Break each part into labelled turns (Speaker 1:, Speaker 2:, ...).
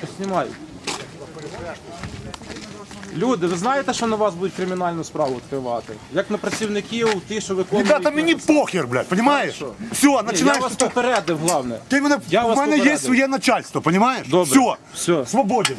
Speaker 1: Знімаю. Люди, ви знаєте, що на вас будуть кримінальну справу відкривати? Як на працівників, ті, що виконують...
Speaker 2: Ребята, мені похер, блядь, понимаешь? Все,
Speaker 1: Я
Speaker 2: починаєш...
Speaker 1: вас попередив, головне.
Speaker 2: Ти мене,
Speaker 1: Я
Speaker 2: у
Speaker 1: вас
Speaker 2: мене є
Speaker 1: попередив.
Speaker 2: своє начальство, понимаешь?
Speaker 1: Добре.
Speaker 2: Все,
Speaker 1: Все.
Speaker 2: свободен.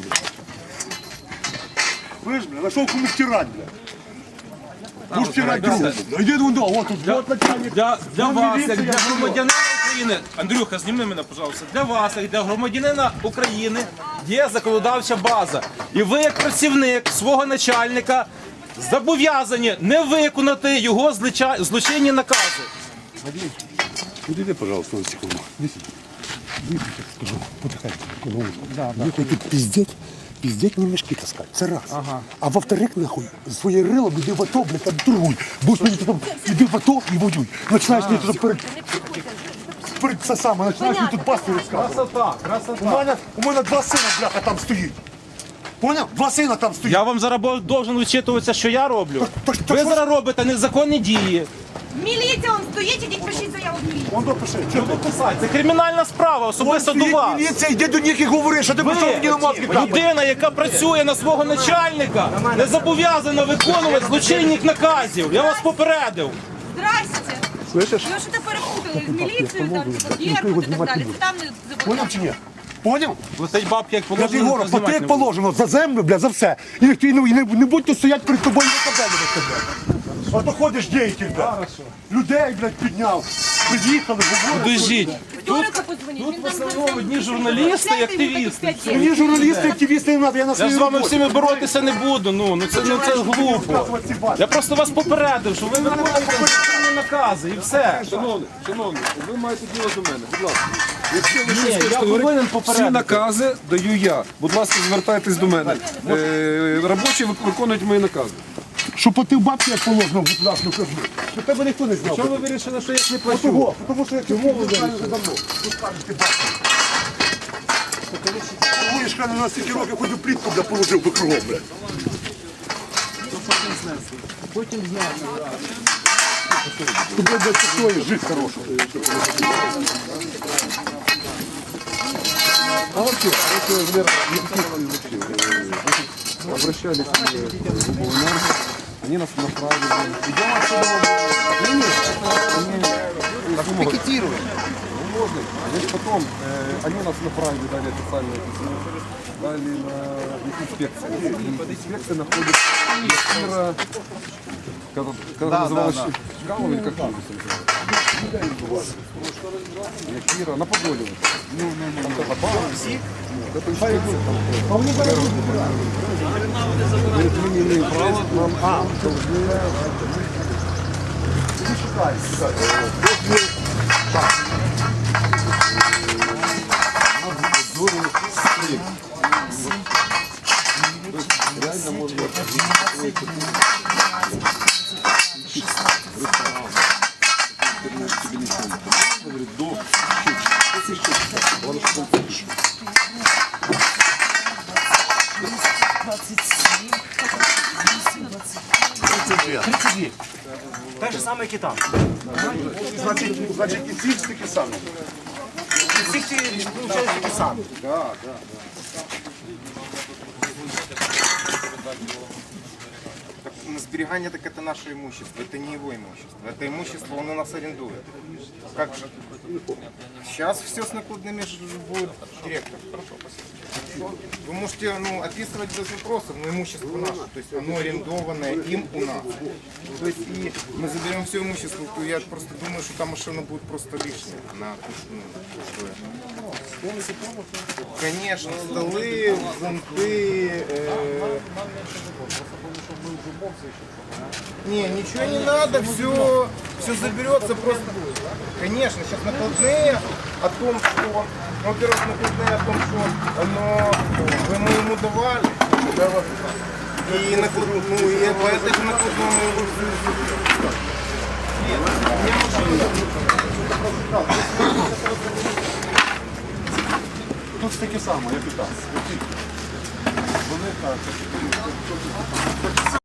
Speaker 2: Ви ж, блядь, нашел кому втирать, блядь. Будеш втирать другу. Іди вон, вот тут, вот начальник.
Speaker 1: Для вас, як
Speaker 2: міліція,
Speaker 1: для громадянина України, Андрюха, зніми мене, пожалуйста. Для вас, як для громадянина України, є законодавча база. І ви, як працівник свого начальника, зобов'язані не виконати його злочинні накази.
Speaker 2: Іди, пожалуйста, на секунду. Иди сюда. Иди, скажу, потихоньку. Нахуй тут пиздеть, не мешки таскать. Це раз. А во-вторых, нахуй, своє рило іди в АТО, блядь, там торгуй. Будеш мені тут, іди в АТо і воюй. Починаєш мені тут перед це саме, починаєш мені тут пасту розказувати.
Speaker 1: Красота, красота.
Speaker 2: У мене два сина, бляха, там стоїть. Поняв? Два сина там стоїть.
Speaker 1: Я вам зараз должен вичитуватися, що я роблю. Ви зараз робите незаконні дії.
Speaker 3: Міліція, он стоїть, ідіть пишіть заяву в міліцію.
Speaker 2: Он допиши.
Speaker 1: Це кримінальна справа, особисто до вас.
Speaker 2: Міліція, йди до них і говори, що ти пішов мені на мозки капати.
Speaker 1: Людина, яка працює на свого начальника, не зобов'язана виконувати злочинних наказів. Я вас попередив.
Speaker 3: Здрасте.
Speaker 2: Слышиш?
Speaker 3: Ви що-то перепутали з міліцією, там, Беркут і так далі. Це там не
Speaker 2: Поняв чи ні? Поняв?
Speaker 1: Летить бабки, як
Speaker 2: Я тобі
Speaker 1: положено.
Speaker 2: говорю,
Speaker 1: знімати
Speaker 2: плати як
Speaker 1: не буду.
Speaker 2: положено, за землю, бля, за все. І не будь тут стоять перед тобою на кабелі на тебе. А то ходиш діятель, бля. Людей, блядь, підняв. Приїхали, говорять.
Speaker 1: Подождіть.
Speaker 3: Вторика подзвоніть.
Speaker 1: Тут в основному одні журналісти і активісти.
Speaker 2: Мені журналісти, активісти не треба, я на
Speaker 1: Я
Speaker 2: своїй
Speaker 1: з вами
Speaker 2: роботі.
Speaker 1: всіми боротися не буду. Ну це глупо. Я просто вас попередив, що ви виконуєте злочинні накази і все.
Speaker 4: Шановний, ви маєте діло до мене, будь ласка. Якщо ви
Speaker 1: Ні,
Speaker 4: щось
Speaker 1: я
Speaker 4: хочете
Speaker 1: повинен
Speaker 4: говорити, всі
Speaker 1: попередити.
Speaker 4: накази даю я. Будь ласка, звертайтесь до мене. Робочі виконують мої накази.
Speaker 2: Що платив бабки, як положено, будь ласка, кажу. Що тебе ніхто не знав.
Speaker 1: Чому ви вирішили, що я їх не плачу?
Speaker 2: Того, тому що я цього вже давно. Тут кажеш, ти бабки. Говориш, хай на нас стільки років хоч плітку, бля, положив би кругом, бля.
Speaker 1: Потім зняти.
Speaker 2: Тобі, блядь, стоїть, жить хорошо.
Speaker 4: А вообще, обращались в Обленерго, они нас направили. Идем отсюда. Пикетируем. Можно. Значит, потом они нас направили, дали официальное письмо, дали на инспекцию. Инспекция находится Якира, когда называлась Чкалова, или как это называлось? Якира, на Подоле. Это инспекция. Говорит, мы не имеем права, нам должны... Реально можно говорит, до
Speaker 5: Так же саме, як і там.
Speaker 2: Значить, і ці такі самі.
Speaker 5: І всіх ті, виходить, такі самі.
Speaker 6: На сберегание так это наше имущество, это не его имущество. Это имущество он у нас арендует. Как же? Сейчас все с накладными будет директор. Вы можете описывать без вопросов, но имущество наше. То есть оно арендованное им у нас. То есть и мы заберем все имущество, то я просто думаю, что там машина будет просто лишняя. Она, конечно, столы, зонты. Не, ничего не надо, все заберется просто. Конечно, сейчас накладные о том, что, во-первых, накладные о том, что мы ему давали, и и по этой же накладному
Speaker 2: Тут таке саме, як і там. Вони так.